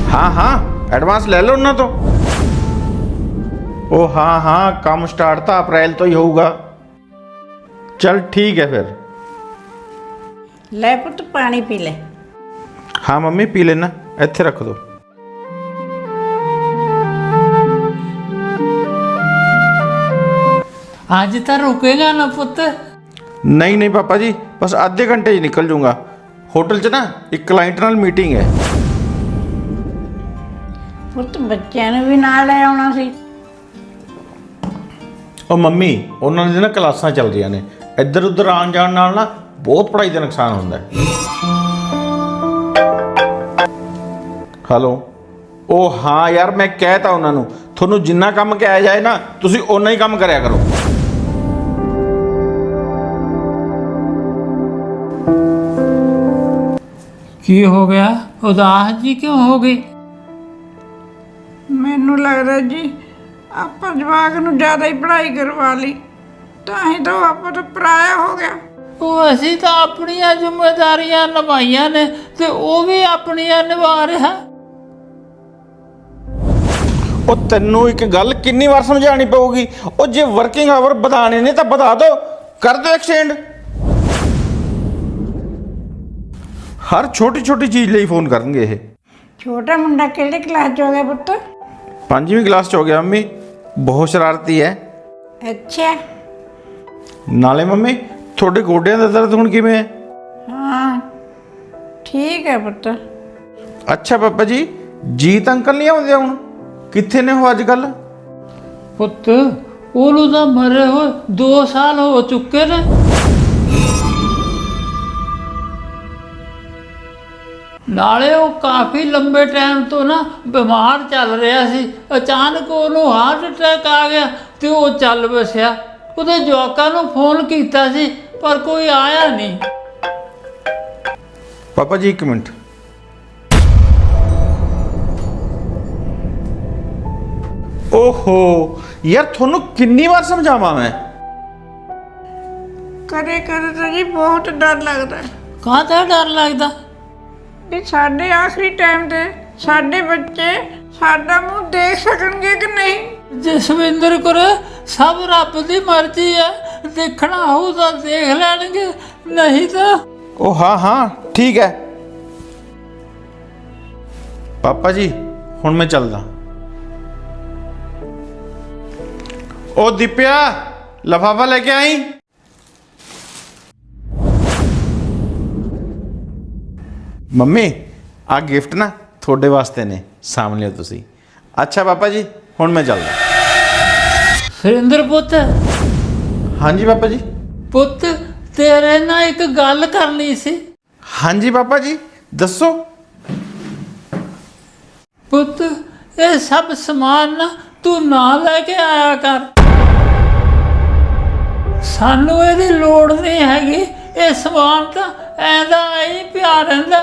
हाँ हाँ एडवांस ले लो उन्होंने तो। ओ हाँ हाँ काम स्टार्ट था अप्रैल तो ही होगा। चल ठीक है फिर। ले पुत पानी पी ले। हाँ मम्मी पी लेना, इत्थे रख दो। आज तो रुकेगा ना पुत? नहीं नहीं पापा जी, बस आधे घंटे ही निकल जाऊंगा। होटल च ना एक क्लाइंट नाल मीटिंग है। ਪੁੱਤ ਬੱਚਿਆਂ ਨੂੰ ਵੀ ਨਾਲ ਲੈ ਆਉਣਾ ਸੀ। ਉਹ ਮੰਮੀ ਉਹਨਾਂ ਦੀਆਂ ਨਾ ਕਲਾਸਾਂ ਚੱਲ ਰਹੀਆਂ ਨੇ, ਇੱਧਰ ਉੱਧਰ ਆਉਣ ਜਾਣ ਨਾਲ ਨਾ ਬਹੁਤ ਪੜ੍ਹਾਈ ਦਾ ਨੁਕਸਾਨ ਹੁੰਦਾ ਹੈ। ਹੈਲੋ ਉਹ ਹਾਂ ਯਾਰ ਮੈਂ ਕਹਿਤਾ ਉਹਨਾਂ ਨੂੰ ਤੁਹਾਨੂੰ ਜਿੰਨਾ ਕੰਮ ਕਿਹਾ ਜਾਏ ਨਾ ਤੁਸੀਂ ਓਨਾ ਹੀ ਕੰਮ ਕਰਿਆ ਕਰੋ। की हो गया? उदास जी क्यों हो गई? ਮੈਨੂੰ ਲੱਗਦਾ ਜੀ ਆਪਾਂ ਜਵਾਕ ਨੂੰ ਜ਼ਿਆਦਾ ਹੀ ਪੜ੍ਹਾਈ ਕਰਵਾ ਲਈ ਤਾਂ ਹੀ ਤਾਂ ਆਪਾਂ ਤੋਂ ਪਰਾਇਆ ਹੋ ਗਿਆ। ਉਹ ਅਸੀਂ ਤਾਂ ਆਪਣੀਆਂ ਜ਼ਿੰਮੇਵਾਰੀਆਂ ਨਿਭਾਈਆਂ ਨੇ ਤੇ ਉਹ ਵੀ ਆਪਣੀਆਂ ਨਿਭਾ ਰਿਹਾ। ਉਹ ਤੈਨੂੰ ਇੱਕ ਗੱਲ ਕਿੰਨੀ ਵਾਰ ਸਮਝਾਉਣੀ ਪਊਗੀ? ਉਹ ਜੇ ਵਰਕਿੰਗ ਆਵਰ ਵਧਾਣੇ ਨੇ ਤਾਂ ਵਧਾ ਦਿਓ, ਕਰ ਦਿਓ ਐਕਸਟੈਂਡ। ਹਰ ਛੋਟੀ ਛੋਟੀ ਚੀਜ਼ ਲਈ ਫੋਨ ਕਰਨਗੇ ਇਹ। ਛੋਟਾ ਮੁੰਡਾ ਕਿਹੜੇ ਕਲਾਸ 'ਚ ਹੋ ਗਿਆ ਪੁੱਤ? 5ਵੀਂ ਕਲਾਸ 'ਚ ਹੋ ਗਿਆ ਮੰਮੀ, ਬਹੁਤ ਸ਼ਰਾਰਤੀ ਹੈ। ਅੱਛਾ ਨਾਲੇ ਮੰਮੀ ਤੁਹਾਡੇ ਗੋਡਿਆਂ ਦਾ ਦਰਦ ਹੁਣ ਕਿਵੇਂ ਹੈ? ਹਾਂ ਠੀਕ ਹੈ ਪੁੱਤ। ਅੱਛਾ ਪਾਪਾ ਜੀ, ਜੀਤ ਅੰਕਲ ਨਹੀਂ ਆਉਂਦੇ ਹੁਣ? ਕਿੱਥੇ ਨੇ ਉਹ ਅੱਜ ਕੱਲ? ਪੁੱਤ ਉਹਨੂੰ ਤਾਂ ਮਰੇ ਹੋਏ 2 ਸਾਲ ਹੋ ਚੁੱਕੇ ਨੇ। ਨਾਲੇ ਉਹ ਕਾਫੀ ਲੰਬੇ ਟਾਈਮ ਤੋਂ ਨਾ ਬਿਮਾਰ ਚੱਲ ਰਿਹਾ ਸੀ। ਅਚਾਨਕ ਉਹਨੂੰ ਹਾਰਟ ਅਟੈਕ ਆ ਗਿਆ ਤੇ ਉਹ ਚੱਲ ਵਸਿਆ। ਉਹਦੇ ਜਵਾਕਾਂ ਨੂੰ ਫੋਨ ਕੀਤਾ ਸੀ ਪਰ ਕੋਈ ਆਇਆ ਨਹੀਂ। ਪਾਪਾ ਜੀ ਇੱਕ ਮਿੰਟ। ਓਹੋ ਯਾਰ ਤੁਹਾਨੂੰ ਕਿੰਨੀ ਵਾਰ ਸਮਝਾਵਾਂ ਮੈਂ? ਕਦੇ ਕਦੇ ਤਾਂ ਜੀ ਬਹੁਤ ਡਰ ਲੱਗਦਾ ਕਾਹਦਾ ਡਰ ਲੱਗਦਾ? ਵੀ ਸਾਡੇ ਆਖਰੀ ਟਾਈਮ ਤੇ ਸਾਡੇ ਬੱਚੇ ਸਾਡਾ ਮੂੰਹ ਦੇਖ ਸਕਣਗੇ ਕਿ ਨਹੀਂ। ਜਸਵਿੰਦਰ ਕੋਲ ਸਭ ਰੱਬ ਦੀ ਮਰਜ਼ੀ ਹੈ, ਦੇਖਣਾ ਹੋਊ ਤਾਂ ਦੇਖ ਲੈਣਗੇ, ਨਹੀਂ ਤਾਂ ਉਹ ਹਾਂ ਹਾਂ ਠੀਕ ਹੈ। ਪਾਪਾ ਜੀ ਹੁਣ ਮੈਂ ਚੱਲਦਾ। ਉਹ ਦੀਪਿਆ ਲਿਫਾਫਾ ਲੈ ਕੇ ਆਈ। ਮੰਮੀ ਆ ਗਿਫਟ ਨਾ ਤੁਹਾਡੇ ਵਾਸਤੇ ਨੇ, ਸਾਂਭ ਲਿਓ ਤੁਸੀਂ। ਅੱਛਾ ਪਾਪਾ ਜੀ ਹੁਣ ਮੈਂ ਚੱਲਦਾ। ਸੁਰਿੰਦਰ ਪੁੱਤ, ਹਾਂਜੀ ਪਾਪਾ ਜੀ। ਪੁੱਤ ਤੇਰੇ ਨਾਲ ਇੱਕ ਗੱਲ ਕਰਨੀ ਸੀ। ਹਾਂਜੀ ਪਾਪਾ ਜੀ ਦੱਸੋ। ਪੁੱਤ ਇਹ ਸਭ ਸਮਾਨ ਨਾ ਤੂੰ ਨਾ ਲੈ ਕੇ ਆਇਆ ਕਰ, ਸਾਨੂੰ ਇਹਦੀ ਲੋੜ ਨਹੀਂ ਹੈਗੀ। ਇਹ ਸਮਾਨ ਤਾਂ ਐਂਦਾ ਹੀ ਪਿਆ ਰਹਿੰਦਾ।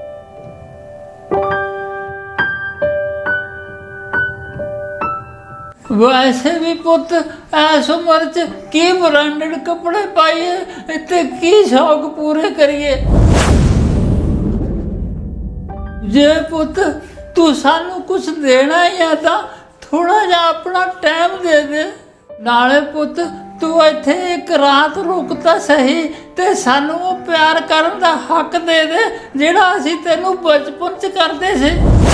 ਵੈਸੇ ਵੀ ਪੁੱਤ ਐਸ ਉਮਰ 'ਚ ਕੀ ਬ੍ਰਾਂਡਡ ਕੱਪੜੇ ਪਾਈਏ ਤੇ ਕੀ ਸ਼ੌਕ ਪੂਰੇ ਕਰੀਏ। ਜੇ ਪੁੱਤ ਤੂੰ ਸਾਨੂੰ ਕੁਝ ਦੇਣਾ ਹੀ ਆ ਤਾਂ ਥੋੜਾ ਜਿਹਾ ਆਪਣਾ ਟਾਈਮ ਦੇ ਦੇ। ਨਾਲੇ ਪੁੱਤ ਤੂੰ ਇੱਥੇ ਇੱਕ ਰਾਤ ਰੁਕ ਤਾਂ ਸਹੀ ਤੇ ਸਾਨੂੰ ਉਹ ਪਿਆਰ ਕਰਨ ਦਾ ਹੱਕ ਦੇ ਦੇ ਜਿਹੜਾ ਅਸੀਂ ਤੈਨੂੰ ਬਚਪਨ 'ਚ ਕਰਦੇ ਸੀ।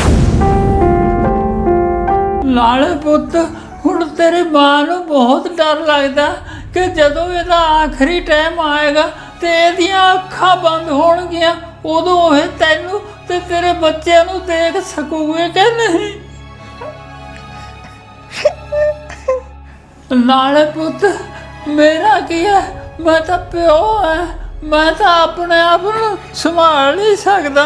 ਨਾਲੇ ਪੁੱਤ ਹੁਣ ਤੇਰੀ ਮਾਂ ਨੂੰ ਬਹੁਤ ਡਰ ਲੱਗਦਾ ਕਿ ਜਦੋਂ ਇਹਦਾ ਆਖਰੀ ਟਾਈਮ ਆਏਗਾ ਤੇ ਇਹਦੀਆਂ ਅੱਖਾਂ ਬੰਦ ਹੋਣਗੀਆਂ, ਉਦੋਂ ਇਹ ਤੈਨੂੰ ਤੇ ਤੇਰੇ ਬੱਚਿਆਂ ਨੂੰ ਦੇਖ ਸਕੂਗੇ ਕਿ ਨਹੀਂ। ਨਾਲੇ ਪੁੱਤ ਮੇਰਾ ਕੀ ਹੈ, ਮੈਂ ਤਾਂ ਪਿਓ ਹੈ, ਮੈਂ ਤਾਂ ਆਪਣੇ ਆਪ ਨੂੰ ਸੰਭਾਲ ਨਹੀਂ ਸਕਦਾ।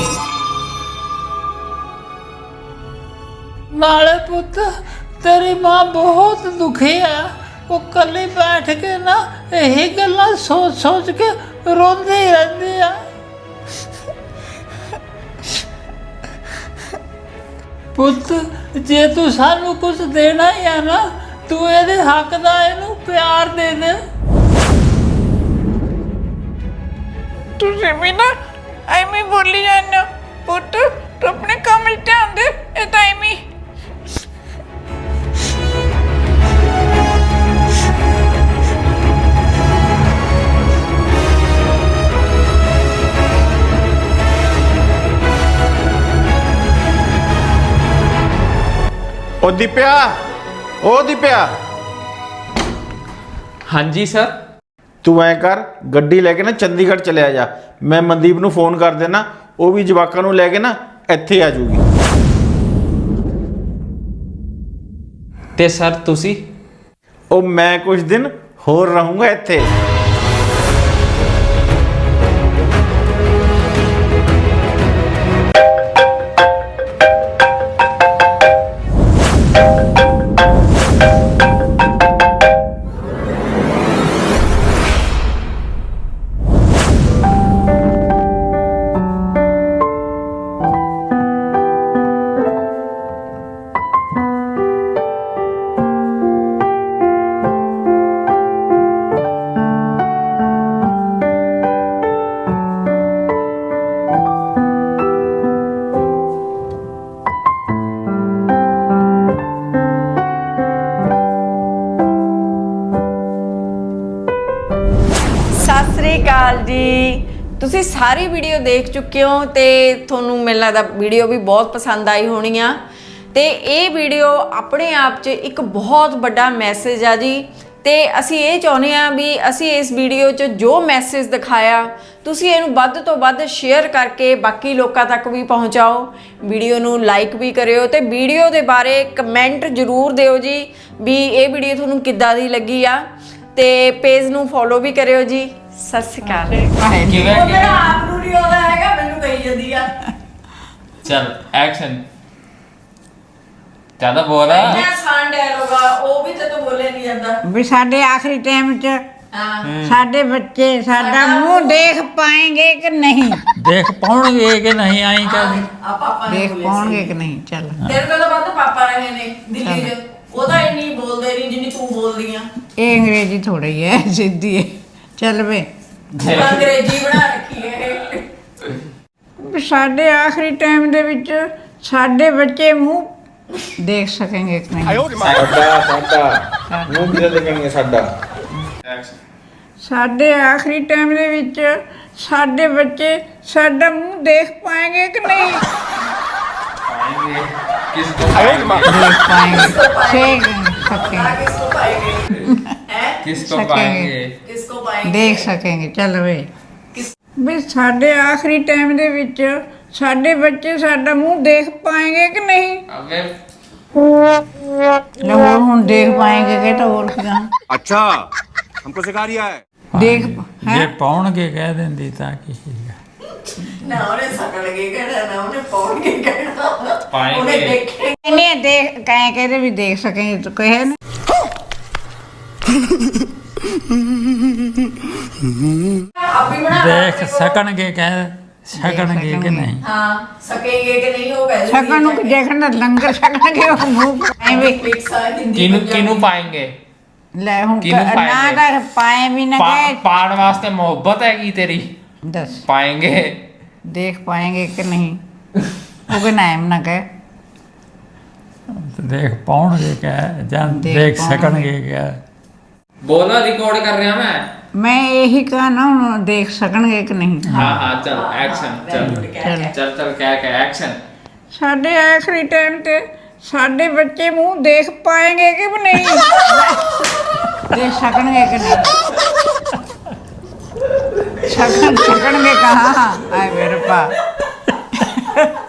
ਨਾਲੇ ਪੁੱਤ ਤੇਰੀ ਮਾਂ ਬਹੁਤ ਦੁਖੀ ਹੈ, ਉਹ ਇਕੱਲੀ ਬੈਠ ਕੇ ਨਾ ਇਹੀ ਗੱਲਾਂ ਸੋਚ ਸੋਚ ਕੇ ਰੋਂਦੀ ਰਹਿੰਦੀ ਆ। ਪੁੱਤ ਜੇ ਤੂੰ ਸਾਨੂੰ ਕੁਝ ਦੇਣਾ ਹੀ ਆ ਨਾ, ਤੂੰ ਇਹਦੇ ਹੱਕ ਦਾ ਇਹਨੂੰ ਪਿਆਰ ਦੇ ਦੇ। ਤੁਸੀਂ ਵੀ ਨਾ ਐਵੇਂ ਬੋਲੀ ਜਾਂਦੇ ਹੋ ਪੁੱਤ, ਤੂੰ ਆਪਣੇ ਕੰਮ 'ਚ ਧਿਆਨ ਦੇ। ਉਹ ਦੀਪਿਆ, ਉਹ ਦੀਪਿਆ, ਹਾਂਜੀ ਸਰ। ਤੂੰ ਐ ਕਰ, ਗੱਡੀ ਲੈ ਕੇ ਨਾ ਚੰਡੀਗੜ੍ਹ ਚਲਿਆ ਜਾ। ਮੈਂ ਮਨਦੀਪ ਨੂੰ ਫੋਨ ਕਰ ਦੇਣਾ, ਉਹ ਵੀ ਜਵਾਕਾਂ ਨੂੰ ਲੈ ਕੇ ਨਾ ਇੱਥੇ ਆ ਜਾਊਗੀ। ਤੇ ਸਰ ਤੁਸੀਂ? ਉਹ ਮੈਂ ਕੁਝ ਦਿਨ ਹੋਰ ਰਹੂੰਗਾ ਇੱਥੇ। ਸਤਿ ਸ੍ਰੀ ਅਕਾਲ ਜੀ। ਤੁਸੀਂ ਸਾਰੀ ਵੀਡੀਓ ਦੇਖ ਚੁੱਕੇ ਹੋ ਤੇ ਤੁਹਾਨੂੰ ਮੈਨੂੰ ਲੱਗਦਾ ਵੀਡੀਓ ਵੀ ਬਹੁਤ ਪਸੰਦ ਆਈ ਹੋਣੀ ਆ। ਤੇ ਇਹ ਵੀਡੀਓ ਆਪਣੇ ਆਪ 'ਚ ਇੱਕ ਬਹੁਤ ਵੱਡਾ ਮੈਸੇਜ ਆ ਜੀ। ਤੇ ਅਸੀਂ ਇਹ ਚਾਹੁੰਦੇ ਆ ਵੀ ਅਸੀਂ ਇਸ ਵੀਡੀਓ 'ਚ ਜੋ ਮੈਸੇਜ ਦਿਖਾਇਆ ਤੁਸੀਂ ਇਹਨੂੰ ਵੱਧ ਤੋਂ ਵੱਧ ਸ਼ੇਅਰ ਕਰਕੇ ਬਾਕੀ ਲੋਕਾਂ ਤੱਕ ਵੀ ਪਹੁੰਚਾਓ। ਵੀਡੀਓ ਨੂੰ ਲਾਈਕ ਵੀ ਕਰਿਓ ਤੇ ਵੀਡੀਓ ਦੇ ਬਾਰੇ ਕਮੈਂਟ ਜ਼ਰੂਰ ਦਿਓ ਜੀ ਵੀ ਇਹ ਵੀਡੀਓ ਤੁਹਾਨੂੰ ਕਿੱਦਾਂ ਦੀ ਲੱਗੀ ਆ। ਤੇ ਪੇਜ ਨੂੰ ਫੋਲੋ ਵੀ ਕਰਿਓ ਜੀ। ਸਤਿ ਸ਼੍ਰੀ ਅਕਾਲ। ਕਿਵੇਂ ਉਹ ਮੇਰਾ ਆਪ ਨੂੰ ਨਹੀਂ ਆਉਂਦਾ ਹੈਗਾ, ਮੈਨੂੰ ਕਹੀ ਜਾਂਦੀ ਆ। ਚਲ ਐਕਸ਼ਨ। ਜ਼ਿਆਦਾ ਬੋਲ ਆ। ਇੰਨਾ ਆਸਾਨ ਡਾਇਲੋਗ ਆ, ਉਹ ਵੀ ਤੇ ਤੂੰ ਬੋਲੇ ਨਹੀਂ ਜਾਂਦਾ। ਵੀ ਸਾਡੇ ਆਖਰੀ ਟਾਈਮ 'ਚ ਹਾਂ ਸਾਡੇ ਬੱਚੇ ਸਾਡਾ ਮੂੰਹ ਦੇਖ ਪਾएंगे ਕਿ ਨਹੀਂ? ਦੇਖ ਪਾਉਣਗੇ ਕਿ ਨਹੀਂ ਆਈ ਕਹਦੀ। ਆ ਪਾਪਾ ਨੇ ਦੇਖ ਬੋਲੇ ਪਾਉਣਗੇ ਸੀ। ਕਿ ਨਹੀਂ? ਚੱਲ ਤੇਰੇ ਤੋਂ ਤਾਂ ਵੱਧ ਪਾਪਾ ਰਹੇ ਨੇ ਦਿੱਲੀ 'ਚ। ਉਹਦਾ ਇੰਨੀ ਬੋਲਦੇ ਨਹੀਂ ਜਿੰਨੀ ਤੂੰ ਬੋਲਦੀ ਆ। ਇਹ ਅੰਗਰੇਜ਼ੀ ਥੋੜੀ ਹੈ, ਸਿੱਧੀ ਹੈ। ਚੱਲ ਵੇ, ਤੂੰ ਅੰਗਰੇਜ਼ੀ ਬਣਾ ਰੱਖੀ ਹੈ। ਵੀ ਸਾਡੇ ਆਖਰੀ ਟਾਈਮ ਦੇ ਵਿੱਚ ਸਾਡੇ ਬੱਚੇ ਮੂੰਹ ਦੇਖ ਸਕਣਗੇ ਕਿ ਨਹੀਂ? ਸਾਡਾ ਮੂੰਹ ਕਿਹਦੇ ਦੇਖਣਗੇ ਸਾਡਾ? ਸਾਡੇ ਆਖਰੀ ਟਾਈਮ ਦੇ ਵਿੱਚ ਸਾਡੇ ਬੱਚੇ ਸਾਡਾ ਮੂੰਹ ਦੇਖ ਪਾएंगे ਕਿ ਨਹੀਂ? ਕਿਸ ਕੋ देख पाएंगे, देख सकेंगे, किसको पाएंगे हैं? किस को सकेंगे। पाएंगे? किसको पाएंगे? ਦੇਖ ਸਕेंगे। ਚੱਲ ਵੇ, ਵੀ ਸਾਡੇ ਆਖਰੀ ਟਾਈਮ ਦੇ ਵਿੱਚ ਸਾਡੇ ਬੱਚੇ ਸਾਡਾ ਮੂੰਹ ਦੇਖ ਪਾएंगे ਕਿ ਨਹੀਂ? अबे ਲੈ ਹੁਣ ਦੇਖ ਪਾएंगे ਕਿ ਤਾਂ ਹੋਰ ਕਿਦਾਂ अच्छा हमको सिखा रिया है। ਦੇਖ ਜੇ ਹੈ। ਪਾਉਣਗੇ ਕਹਿ ਦਿੰਦੀ ਤਾਂ ਕੀ ਸੀਗਾ। ਨਾ ਉਹਨੇ ਸਕਣਗੇ ਕਹਿਣਾ, ਨਾ ਉਹਨੇ ਪਾਉਣਗੇ ਕਹਿਣਾ। ਪਾਏਂਗੇ। ਉਹਨੇ ਦੇਖੇ ਇਹਨੇ ਦੇਖ ਕਹੇ ਕਹਿੰਦੇ ਵੀ ਦੇਖ ਸਕेंगे ਤਾਂ ਕਹੇ ਨਾ। ਆਪ ਵੀ ਬਣਾ ਦੇਖ ਸਕਣਗੇ ਕਹਿ ਸਕਣਗੇ ਕਿ ਨਹੀਂ? ਹਾਂ ਸਕੇਗੇ ਕਿ ਨਹੀਂ ਉਹ ਕਹਿ ਸਕਣ ਨੂੰ ਕਿ ਦੇਖਣ ਦਾ ਲੰਗਰ ਛਕਣਗੇ ਉਹ ਮੂੰਹ ਐਵੇਂ। ਮਿਕਸ ਆ ਹਿੰਦੀ ਕਿਨੂੰ ਪੰਜਾਬੀ। ਕਿਨੂੰ ਪਾएंगे? ਲੈ ਹੁਣ ਕਿਹਨੂੰ ਨਾ ਪਾਏਂਗੇ? ਤਾਂ ਪਾਏ ਵੀ ਨਾ ਕਹੇ। ਪਾਣ ਵਾਸਤੇ ਮੁਹੱਬਤ ਹੈਗੀ ਤੇਰੀ। ਦੱਸ पाएंगे। ਦੇਖ ਪਾएंगे ਕਿ ਨਹੀਂ? ਉਹ ਕਿ ਨਾਮ ਨਾ ਕਹੇ। ਦੇਖ ਪਾਉਣਗੇ ਕਹਿ ਜਾਂ ਦੇਖ ਦੇਖ ਪਾਉਣਗੇ। ਸਕਣਗੇ ਕਹਿ। बोलो रिकॉर्ड कर रहा मैं। ਮੈਂ ਇਹੀ ਕਹਾ ਨਾ ਹੁਣ ਦੇਖ ਸਕਣਗੇ ਕਿ ਨਹੀਂ? हाँ हाँ चल एक्शन चल ਚੱਲ चल चल क्या एक्शन। ਸਾਡੇ ਆਖਰੀ ਟਾਈਮ ਤੇ ਸਾਡੇ ਬੱਚੇ ਮੂੰਹ ਦੇਖ ਪਾएंगे ਕਿ ਵੀ ਨਹੀਂ? ਦੇਖ ਸਕਣਗੇ ਕਿ ਨਹੀਂ? ਸਕਣਗੇ ਕਹਾਂ? ਆਏ ਮੇਰੇ ਪਾ